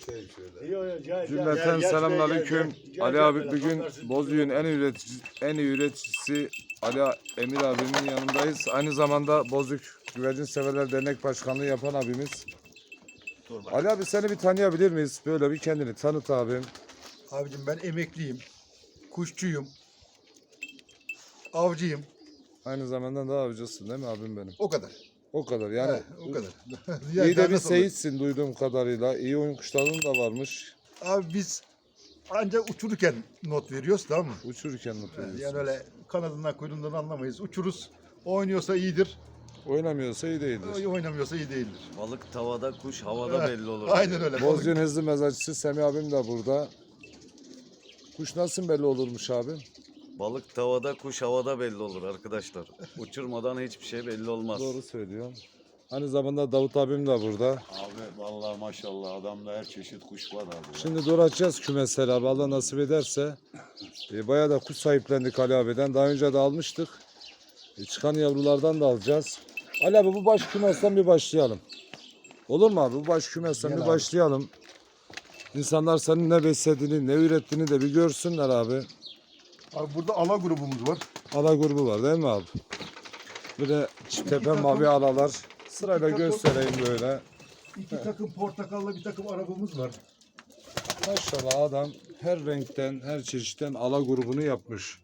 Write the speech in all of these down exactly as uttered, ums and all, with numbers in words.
Cümleten selamünaleyküm. Ali abi bugün Bozüyük'ün en üretici, en iyi üreticisi Ali Emir abimin yanındayız. Aynı zamanda Bozüyük Güvercin Severler Dernek Başkanlığı yapan abimiz. Ali abi seni bir tanıyabilir miyiz? Böyle bir kendini tanıt abim. Abicim ben emekliyim. Kuşçuyum. Avcıyım. Aynı zamanda da avcısın değil mi abim benim? O kadar. O kadar yani. He, o kadar. İyi de bir seyitsin duyduğum kadarıyla. İyi oyun kuşların da varmış. Abi biz ancak uçururken not veriyoruz, tamam mı? Uçururken not veriyorsun. Yani öyle kanadından kuyruğundan anlamayız. Uçuruz. Oynuyorsa iyidir. Oynamıyorsa iyi değildir. Oynamıyorsa iyi değildir. Balık tavada, kuş havada He, belli olur. Aynen öyle. Bozüyük'ün hızlı mezatçısı Semih abim de burada. Kuş nasıl belli olurmuş abim? Balık tavada, kuş havada belli olur arkadaşlar. Uçurmadan hiçbir şey belli olmaz. Doğru söylüyor. Aynı zamanda Davut abim de burada. Abi vallahi maşallah adamda her çeşit kuş var abi. Şimdi dolaşacağız kümesleri abi Allah nasip ederse. E, bayağı da kuş sahiplendik Ali abiden. Daha önce de almıştık. E, çıkan yavrulardan da alacağız. Ali abi bu baş kümesten bir başlayalım. Olur mu abi? Bu baş kümesten Gel bir abi. başlayalım. İnsanlar senin ne beslediğini, ne ürettiğini de bir görsünler abi. Abi burada ala grubumuz var. Ala grubu var değil mi abi? Bir de çift tepe mavi alalar. Sırayla takım. göstereyim böyle. İki takım portakallı bir takım arabamız var. Maşallah adam her renkten, her çeşitten ala grubunu yapmış.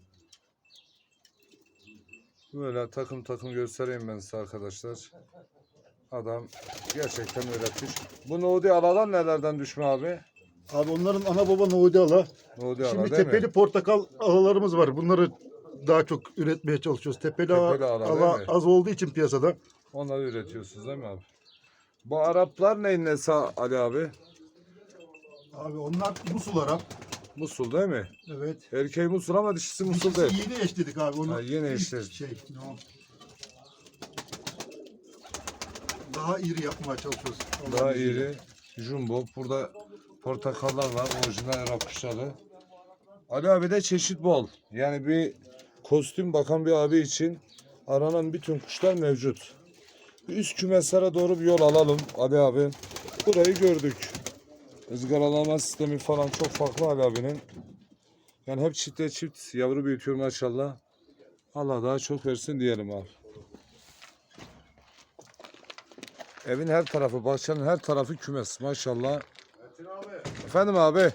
Böyle takım takım göstereyim ben size arkadaşlar. Adam gerçekten öğretmiş. Bu Nodi alalar nelerden düşme abi? Abi onların ana baba Nohudi ala. Nodi ala Şimdi değil tepeli mi? portakal alalarımız var. Bunları daha çok üretmeye çalışıyoruz. Tepeli, Tepeli ala ala değil mi? az olduğu için piyasada. Onları üretiyorsunuz değil mi abi? Bu Araplar neyin nesi Ali abi? Abi onlar Musul Arap. Musul değil mi? Evet. Erkeği Musul ama dişisi Musul Dişisi değil. yeni eşledik abi. Onu Ha, yeni ilk eşledik. Şey, no. Daha iri yapmaya çalışıyoruz. Daha Allah'ın izniyle. iri. Jumbo. Burada portakallar var. Orijinal Arap kuşları. Ali abi de çeşit bol. Yani bir kostüm bakan bir abi için aranan bütün kuşlar mevcut. Bir üst kümeslere doğru bir yol alalım Ali abi. Burayı gördük. Izgaralama sistemi falan çok farklı Ali abinin. Yani hep çifte çift yavru büyütüyor maşallah. Allah daha çok versin diyelim abi. Evin her tarafı, bahçenin her tarafı kümes maşallah. Efendim abi.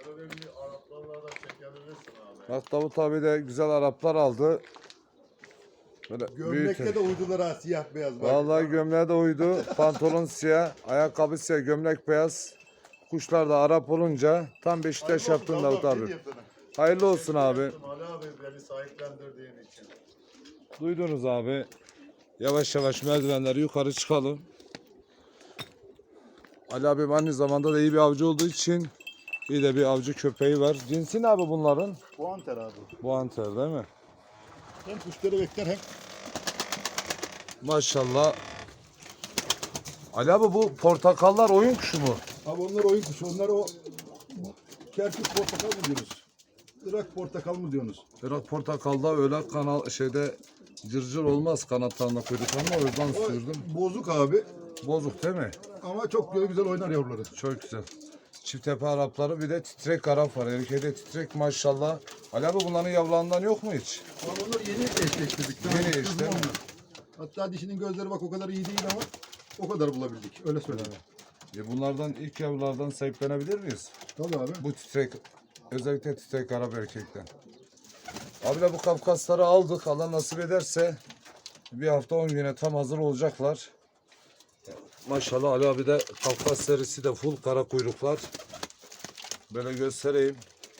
Bak Davut abi de güzel Araplar aldı. Böyle Gömlekte büyük. de uydular ha, siyah beyaz. bak. Vallahi gömleğe de uydu. Pantolon siyah, ayakkabı siyah, gömlek beyaz. Kuşlar da Arap olunca tam Beşiktaş Hayırlı yaptın olsun, Davut Allah abi. diyeyim sana. Hayırlı olsun abi. Ali abi beni sahiplendirdiğin için. Duydunuz abi. Yavaş yavaş merdivenleri yukarı çıkalım. Ali abim aynı zamanda da iyi bir avcı olduğu için iyi de bir avcı köpeği var. Cinsi ne abi bunların? Bu anter abi. Bu anter değil mi? Hem kuşları bekler hem Maşallah. Ali abi bu portakallar oyun kuşu mu? abi onlar oyun kuşu. Onlar o Kerkük portakal mı diyorsunuz? Irak portakal mı diyorsunuz? Irak portakalda öyle kanal şeyde cırcır olmaz kanatlarına kuyruklarına o yüzden O sürdüm. bozuk abi Bozuk değil mi? ama çok böyle güzel oynar yavruları. Çok güzel. Çift tepe Arapları bir de titrek Arap var. Erkeğde titrek maşallah. Ali abi bunların yavrularından yok mu hiç? Ama onlar yeni eşleştirdik. Daha Yeni kızım eş, değil mi? onlar. Hatta dişinin gözleri bak o kadar iyi değil ama o kadar bulabildik. Öyle söyleyeyim. E bunlardan ilk yavrulardan sahiplenebilir miyiz? Tabii abi. Bu titrek, özellikle titrek Arap erkekten. Abiler bu Kafkasları aldık. Allah nasip ederse bir hafta on güne tam hazır olacaklar. Maşallah Ali abi de Kafkas serisi de full kara kuyruklar. Böyle göstereyim.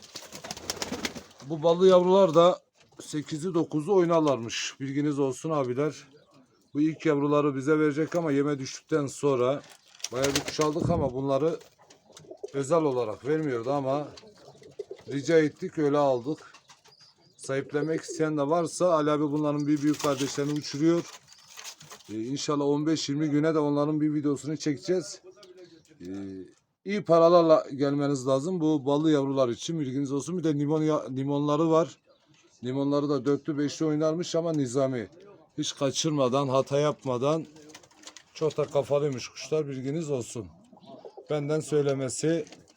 Bu ballı yavrular da sekizi dokuzu oynarlarmış. Bilginiz olsun abiler. Bu ilk yavruları bize verecek ama yeme düştükten sonra bayağı bir kuş aldık ama bunları özel olarak vermiyordu ama rica ettik öyle aldık. Sahiplenmek isteyen de varsa Ali abi bunların bir büyük kardeşlerini uçuruyor. Ee, İnşallah on beş yirmi güne de onların bir videosunu çekeceğiz. Ee, iyi paralarla gelmeniz lazım bu ballı yavrular için bilginiz olsun. Bir de limon ya- limonları var. Limonları da dörtlü beşli oynarmış ama nizami. Hiç kaçırmadan, hata yapmadan çok da kafalıymış kuşlar bilginiz olsun. Benden söylemesi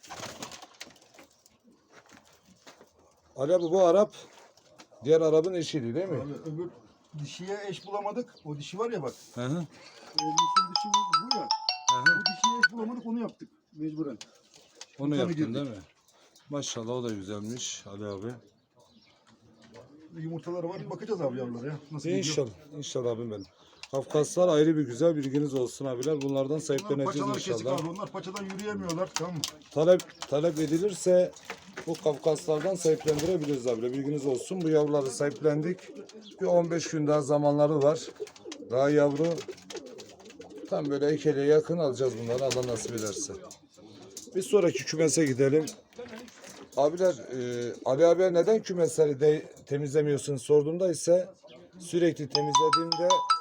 Ali abi bu Arap diğer Arap'ın eşiydi değil mi? Abi öbür dişiye eş bulamadık. O dişi var ya bak. Hı hı. O musul dişi bu, bu ya. Hı hı. Bu dişiye eş bulamadık, onu yaptık mecburen. Onu Tabii yaptın girdik. değil mi? Maşallah o da güzelmiş Ali abi. Yumurtaları var. Bakacağız abi yavrulara ya. Nasıl gidiyor? İnşallah. İnşallah abim benim. Kafkaslar ayrı bir güzel, bilginiz olsun abiler. Bunlardan Bunlar sahipleneceğiz paçalar kesik inşallah. abi. Onlar paçadan yürüyemiyorlar. Tamam mı? Talep talep edilirse bu Kafkaslardan sahiplendirebiliriz abiler. Bilginiz olsun. Bu yavruları sahiplendik. Bir on beş gün daha zamanları var. Daha yavru. Tam böyle ekeliğe yakın alacağız bunları Allah nasip ederse. Bir sonraki kümese gidelim. Abiler, e, Ali abiye neden kümesleri de temizlemiyorsun sorduğumda ise sürekli temizlediğimde